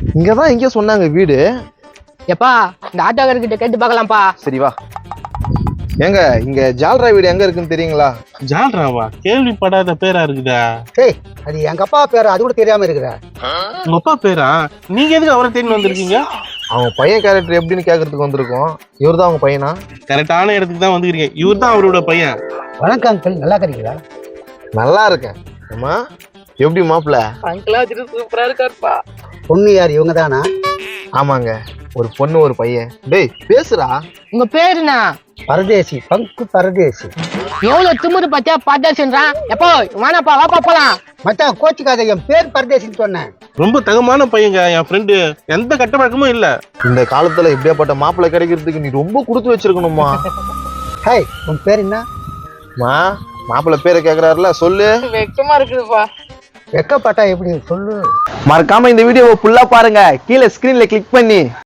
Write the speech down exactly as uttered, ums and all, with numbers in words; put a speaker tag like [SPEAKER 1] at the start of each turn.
[SPEAKER 1] இங்கதான் எங்க சொன்னாங்க வீடு.
[SPEAKER 2] எப்பா இந்த ஆட்டோக்காரர்கிட்ட கேட்டு பார்க்கலாம்ப்பா.
[SPEAKER 1] சரி வா. ஏங்க இங்க ஜால்ரா வீடு எங்க இருக்குன்னு தெரியுங்களா?
[SPEAKER 3] ஜால்ராவா? கேள்விப்படாத பேரா இருக்குதா?
[SPEAKER 4] டேய் அது எங்க அப்பா பேரு, அது கூட தெரியாம இருக்கிற.
[SPEAKER 3] உங்க அப்பா பேரா? நீங்க எதுக்கு அவரை தேடி வந்திருக்கீங்க?
[SPEAKER 1] அவங்க பையன் கேரக்டர் எப்படின்னு கேட்கறதுக்கு வந்திருக்கோம். இவர் தான் அவங்க பையனா?
[SPEAKER 3] கரெக்டான இடத்துக்கு தான் வந்துக்கிறீங்க. இவர் தான் அவரோட பையன்.
[SPEAKER 4] வணக்கம் அங்கிள், நல்லா இருக்கீங்களா?
[SPEAKER 1] நல்லா இருக்கேன். அம்மா எப்படி மாப்பிள்ள?
[SPEAKER 2] அங்கிளா சூப்பரா இருக்காருப்பா.
[SPEAKER 4] பொண்ணு யார், இவங்க தானா?
[SPEAKER 1] ஆமாங்க, ஒரு பொண்ணு ஒரு பையன். டேய் பேசுறா.
[SPEAKER 2] உங்க பேரு என்ன?
[SPEAKER 4] பரதேசி, பங்கு பரதேசி.
[SPEAKER 2] எவ்வளவு திமுரு பத்தியா பரதேசின்றான். எப்போ வேணாப்பா, வாப்பா போலாம்.
[SPEAKER 4] மச்சான் கோச்சுக்காத, என் பேர் பரதேசின்னு சொன்னேன்.
[SPEAKER 3] ரொம்ப தகமான பையங்க என் ஃப்ரெண்டு. எந்த கட்ட பழக்கமும் இல்ல.
[SPEAKER 1] இந்த காலத்துல இப்படியாப்பட்ட மாப்பிள்ளை கிடைக்கிறதுக்கு நீ ரொம்ப கொடுத்து வச்சிருக்கணுமா.
[SPEAKER 4] ஹாய், உன் பேர் என்ன?
[SPEAKER 1] மா மாப்பிள்ளை பேரை கேக்குறாருல, சொல்லு.
[SPEAKER 2] வெக்கமா இருக்குதுப்பா.
[SPEAKER 4] வெக்கப்பட்டா எப்படி சொல்லு.
[SPEAKER 1] மறக்காம இந்த வீடியோவை ஃபுல்லா பாருங்க, கீழே ஸ்கிரீன்ல கிளிக் பண்ணி.